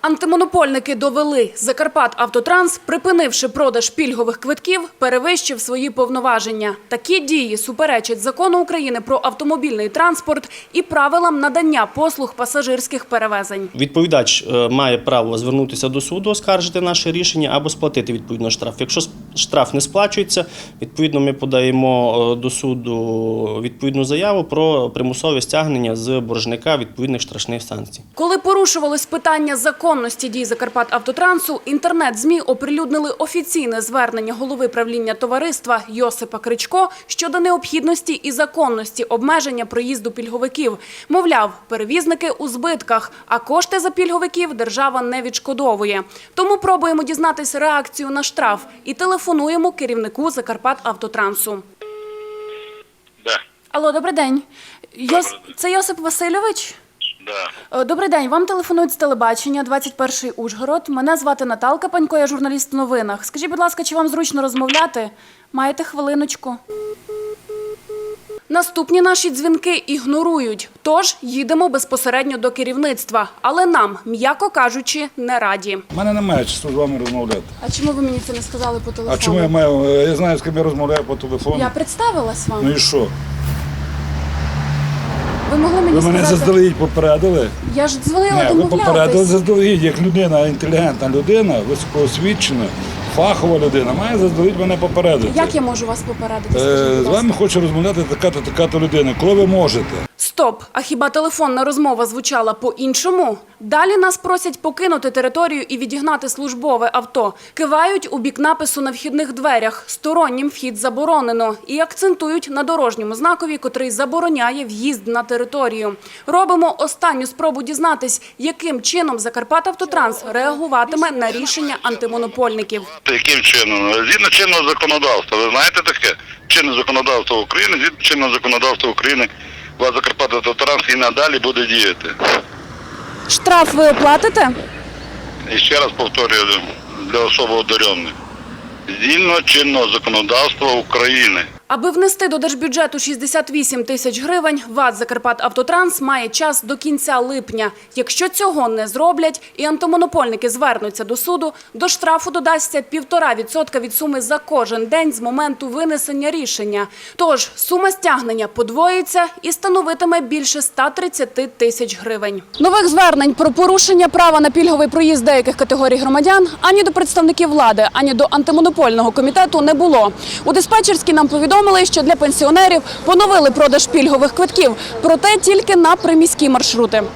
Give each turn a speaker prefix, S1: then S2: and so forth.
S1: Антимонопольники довели – «Закарпатавтотранс», припинивши продаж пільгових квитків, перевищив свої повноваження. Такі дії суперечать Закону України про автомобільний транспорт і правилам надання послуг пасажирських перевезень.
S2: Відповідач має право звернутися до суду, оскаржити наше рішення або сплатити відповідно штраф. Якщо штраф не сплачується, відповідно ми подаємо до суду відповідну заяву про примусове стягнення з боржника відповідних штрафних санкцій.
S1: Коли порушувалось питання законності дій «Закарпатавтотрансу», інтернет-ЗМІ оприлюднили офіційне звернення голови правління товариства Йосипа Кричко щодо необхідності і законності обмеження проїзду пільговиків. Мовляв, перевізники у збитках, а кошти за пільговиків держава не відшкодовує. Тому пробуємо дізнатися реакцію на штраф і телефонуємо керівнику «Закарпатавтотрансу».
S3: Да.
S1: Алло, добрий день. Це Йосип Васильович?
S3: Да.
S1: Добрий день, вам телефонують з телебачення, 21-й Ужгород. Мене звати Наталка Панько, я журналіст в новинах. Скажіть, будь ласка, чи вам зручно розмовляти? Маєте хвилиночку? Наступні наші дзвінки ігнорують, тож їдемо безпосередньо до керівництва. Але нам, м'яко кажучи, не раді.
S4: У мене немає часу з вами розмовляти.
S1: А чому ви мені це не сказали по телефону?
S4: А чому я маю? Я знаю, з ким я розмовляю по телефону.
S1: Я представилась вам.
S4: Ну і що?
S1: Ви могли мені
S4: Ви мене
S1: сказати...
S4: заздалегідь попередили?
S1: Я ж дзвонила
S4: Ні, ви попередили
S1: домовлятись.
S4: заздалегідь, як людина, інтелігентна людина, високоосвічена, фахова людина, має заздалегідь мене попередити.
S1: Як я можу вас попередити? Скажіть, будь
S4: З
S1: ласка.
S4: вами хоче розмовляти така-то людина. Коли ви можете?
S1: Стоп! А хіба телефонна розмова звучала по-іншому? Далі нас просять покинути територію і відігнати службове авто. Кивають у бік напису на вхідних дверях «Стороннім вхід заборонено» і акцентують на дорожньому знакові, котрий забороняє в'їзд на територію. Робимо останню спробу дізнатись, яким чином «Закарпатавтотранс» реагуватиме на рішення антимонопольників.
S3: Яким чином? Згідно чинного законодавства. Ви знаєте таке? Чинне законодавство України, згідно чинного законодавства України, вас Закарпатавтотранс і надалі буде діяти.
S1: Штраф ви оплатите?
S3: І ще раз повторюю, для особо одарених. Згідно чинного законодавства України.
S1: Аби внести до держбюджету 68 тисяч гривень, ВАТ «Закарпатавтотранс» має час до кінця липня. Якщо цього не зроблять і антимонопольники звернуться до суду, до штрафу додасться 1,5% від суми за кожен день з моменту винесення рішення. Тож сума стягнення подвоїться і становитиме більше 130 тисяч гривень. Нових звернень про порушення права на пільговий проїзд деяких категорій громадян ані до представників влади, ані до антимонопольного комітету не було. У диспетчерській нам повідомили, що для пенсіонерів поновили продаж пільгових квитків, проте тільки на приміські маршрути.